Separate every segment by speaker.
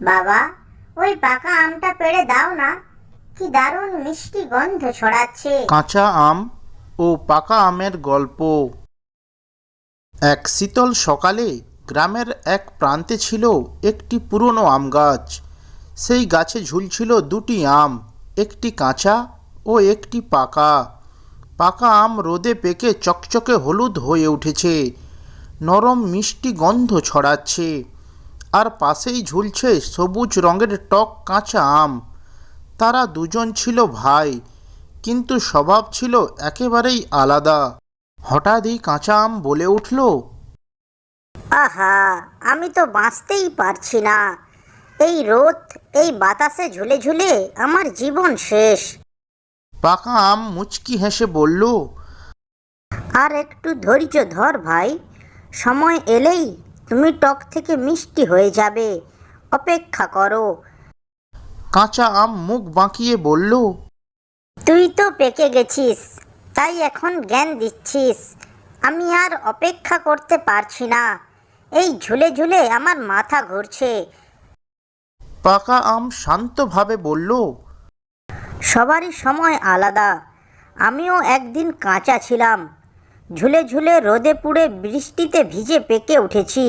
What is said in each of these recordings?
Speaker 1: বাবা, ওই পাকা আমটা পেড়ে দাও না, কি দারুণ মিষ্টি গন্ধ ছড়াচ্ছে।
Speaker 2: কাঁচা আম ও পাকা আমের গল্প। এক শীতল সকালে গ্রামের এক প্রান্তে ছিল একটি পুরনো আম গাছ। সেই গাছে ঝুলছিল দুটি আম, একটি কাঁচা ও একটি পাকা। পাকা আম রোদে পেকে চকচকে হলুদ হয়ে উঠেছে, নরম মিষ্টি গন্ধ ছড়াচ্ছে। আর পাশেই ঝুলছে সবুজ রঙের টক কাঁচা আম। তারা দুজন ছিল ভাই, কিন্তু স্বভাব ছিল একেবারেই আলাদা। হঠাৎই কাঁচা আম বলে উঠল,
Speaker 1: আহা, আমি তো বাঁচতেই পারছি না। এই রোদ, এই বাতাসে ঝুলে ঝুলে আমার জীবন শেষ।
Speaker 2: পাকা আম মুচকি হেসে বলল,
Speaker 1: আর একটু ধৈর্য ধর ভাই, সময় এলেই তুমি টক থেকে মিষ্টি হয়ে যাবে, অপেক্ষা করো।
Speaker 2: কাঁচা আম মুখ বাঁকিয়ে বলল,
Speaker 1: তুই তো পেকে গেছিস, তাই এখন জ্ঞান দিচ্ছিস। আমি আর অপেক্ষা করতে পারছি না, এই ঝুলে ঝুলে আমার মাথা ঘুরছে।
Speaker 2: পাকা আম শান্তভাবে বলল,
Speaker 1: সবারই সময় আলাদা। আমিও একদিন কাঁচা ছিলাম, ঝুলে ঝুলে রোদে পুড়ে বৃষ্টিতে ভিজে পেকে উঠেছি।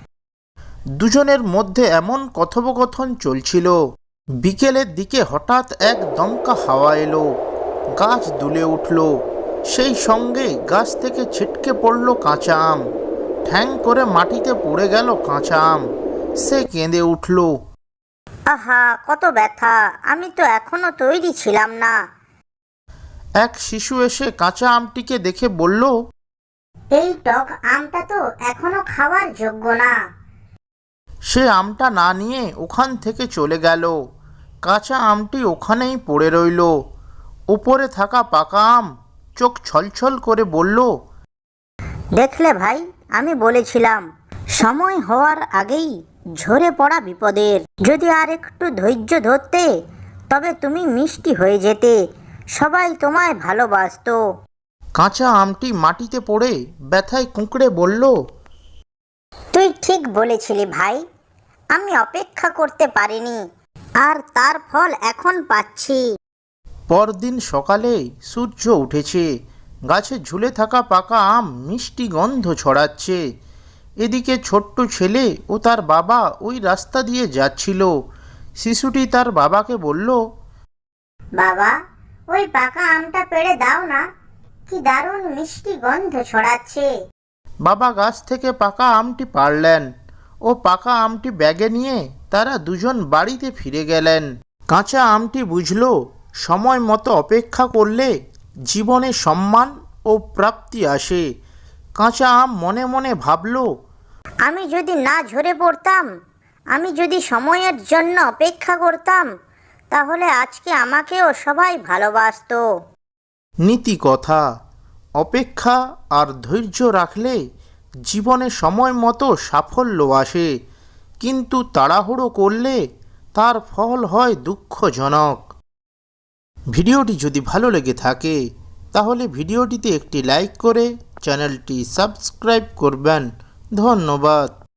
Speaker 2: দুজনের মধ্যে এমন কথোপকথন চলছিল। বিকেলের দিকে হঠাৎ এক দমকা হাওয়া এলো, গাছ দুলে উঠল। সেই সঙ্গে গাছ থেকে ছিটকে পড়ল কাঁচা আম। ঠ্যাং করে মাটিতে পড়ে গেল কাঁচা আম। সে কেঁদে উঠল।
Speaker 1: আহা, কত ব্যথা! আমি তো এখনো তৈরি ছিলাম না।
Speaker 2: এক শিশু এসে কাঁচা আমটিকে দেখে বলল,
Speaker 1: এই টক আমটা তো এখনো খাওয়ার যোগ্য না।
Speaker 2: সে আমটা না নিয়ে ওখান থেকে চলে গেল। কাঁচা আমটি ওখানেই পড়ে রইল। উপরে থাকা পাকা আম চোখ ছলছল করে বলল,
Speaker 1: দেখলে ভাই, আমি বলেছিলাম, সময় হওয়ার আগেই ঝরে পড়া বিপদের। যদি আর একটু ধৈর্য ধরতে, তবে তুমি মিষ্টি হয়ে যেতে, সবাই তোমায় ভালোবাসতো।
Speaker 2: কাঁচা আমটি মাটিতে পড়ে ব্যথায় কুঁকড়ে বলল,
Speaker 1: তুই ঠিক বলেছিলি ভাই, আমি অপেক্ষা করতে পারিনি, আর তার ফল এখন পাচ্ছি।
Speaker 2: পরদিন সকালে সূর্য উঠেছে। গাছে ঝুলে থাকা পাকা আম মিষ্টি গন্ধ ছড়াচ্ছে। এদিকে ছোট্ট ছেলে ও তার বাবা ওই রাস্তা দিয়ে যাচ্ছিল। শিশুটি তার বাবাকে বলল,
Speaker 1: বাবা, ওই পাকা আমটা পেড়ে দাও না, কি দারুণ মিষ্টি গন্ধ ছড়াচ্ছে।
Speaker 2: বাবা গাছ থেকে পাকা আমটি পাড়লেন ও পাকা আমটি ব্যাগে নিয়ে তারা দুজন বাড়িতে ফিরে গেলেন। কাঁচা আমটি বুঝল, সময় মতো অপেক্ষা করলে জীবনে সম্মান ও প্রাপ্তি আসে। কাঁচা আম মনে মনে ভাবল,
Speaker 1: আমি যদি না ঝরে পড়তাম, আমি যদি সময়ের জন্য অপেক্ষা করতাম, তাহলে আজকে আমাকেও সবাই ভালোবাসতো।
Speaker 2: নীতি কথা, অপেক্ষা আর ধৈর্য রাখলে জীবনে সময় মতো সাফল্য আসে, কিন্তু তাড়াহুড়ো করলে তার ফল হয় দুঃখজনক। ভিডিওটি যদি ভালো লেগে থাকে তাহলে ভিডিওটিতে একটি লাইক করে চ্যানেলটি সাবস্ক্রাইব করবেন। ধন্যবাদ।